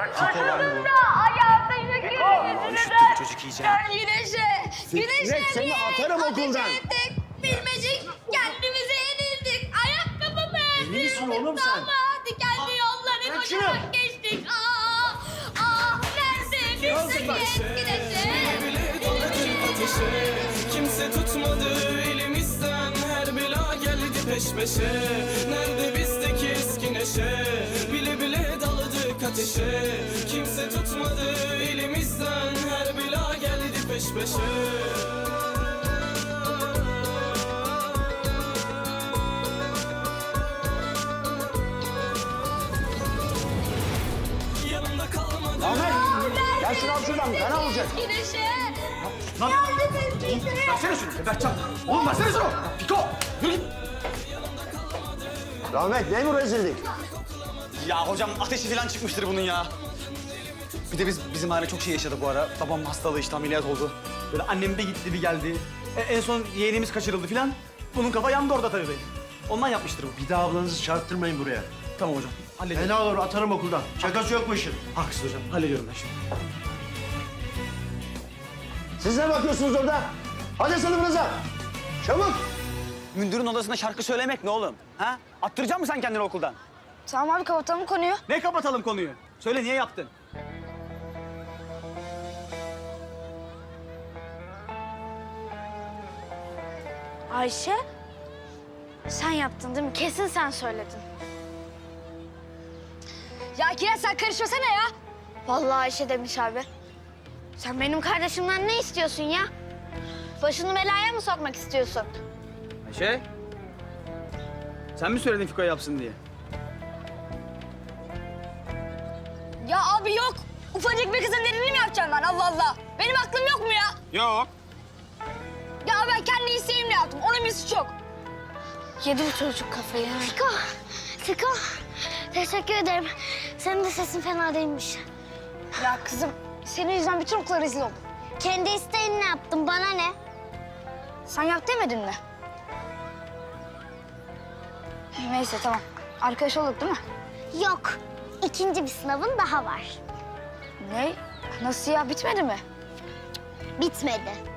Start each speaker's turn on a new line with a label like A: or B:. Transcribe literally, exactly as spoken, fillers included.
A: Fiko lan bu.
B: Ayağımda yine
A: Aa, üşüttü bu çocuk iyice.
B: Ben güneşe, güneşe
C: Sinek, seni
B: bir
C: atarım okuldan.
B: ateş ettik. Bilmecik kendimize yenildik. Ayakkabımı
C: Deli misin oğlum sen?
B: ama dikenli yolları
C: bırak şunu.
B: koşarak geçtik. Aa, aa, nerede bizdeki güneşe?
D: Ateşe kimse tutmadı elimizden, her bela geldi peş peşe. Nerede bizdeki eski neşe, bile bile daladık ateşe. Kimse tutmadı elimizden, her bela geldi peş peşe. Yanımda kalmadı.
C: Ahmet, gel şunu al şuradan. Fena olacak.
B: Güneşe.
A: Lan versene şunu Berkcan. Oğlum versene şunu. Fiko yürü git.
C: Rahmet, ne bu rezillik?
A: Ya hocam ateşi falan çıkmıştır bunun ya. Bir de biz bizim aile çok şey yaşadı bu ara. Babam hastalığı işte ameliyat oldu. Böyle annem bir gitti bir geldi. E, en son yeğenimiz kaçırıldı falan. Bunun kafa yandı orada tabii. Ondan yapmıştır bu.
C: Bir daha ablanızı çarptırmayın buraya.
A: Tamam hocam. Hallediyorum.
C: Fena olur, atarım okuldan. Şakası yok bu işin.
A: Haklısın hocam. Hallediyorum ben şimdi.
C: Siz ne bakıyorsunuz orada? Hadi sınıfınıza. Çabuk.
A: Mündürün odasında şarkı söylemek ne oğlum? Ha? Attıracak mısın sen kendini okuldan?
B: Tamam abi kapatalım konuyu.
A: Ne kapatalım konuyu? Söyle niye yaptın?
B: Ayşe, sen yaptın değil mi? Kesin sen söyledin. Ya Kiraz sen karışmasana ya. Vallahi Ayşe demiş abi. Sen benim kardeşimden ne istiyorsun ya? Başını belaya mı sokmak istiyorsun?
A: Ayşe. Sen mi söyledin Fiko'ya yapsın diye?
B: Ya abi yok. Ufacık bir kızın dediğini mi yapacağım ben Allah Allah? Benim aklım yok mu ya?
A: Yok.
B: Ya ben kendi isteğimle yaptım. Onun bir suçu yok. Yedi bu çocuk kafayı.
E: Fiko, Fiko. Teşekkür ederim. Senin de sesin fena değilmiş.
B: Ya kızım senin yüzünden bütün okula rezil oldum.
E: Kendi isteğinle yaptım, bana ne?
B: Sen yap demedin mi? Neyse tamam. Arkadaş olduk değil mi?
E: Yok, ikinci bir sınavın daha var.
B: Ne? Nasıl ya? Bitmedi mi?
E: Bitmedi.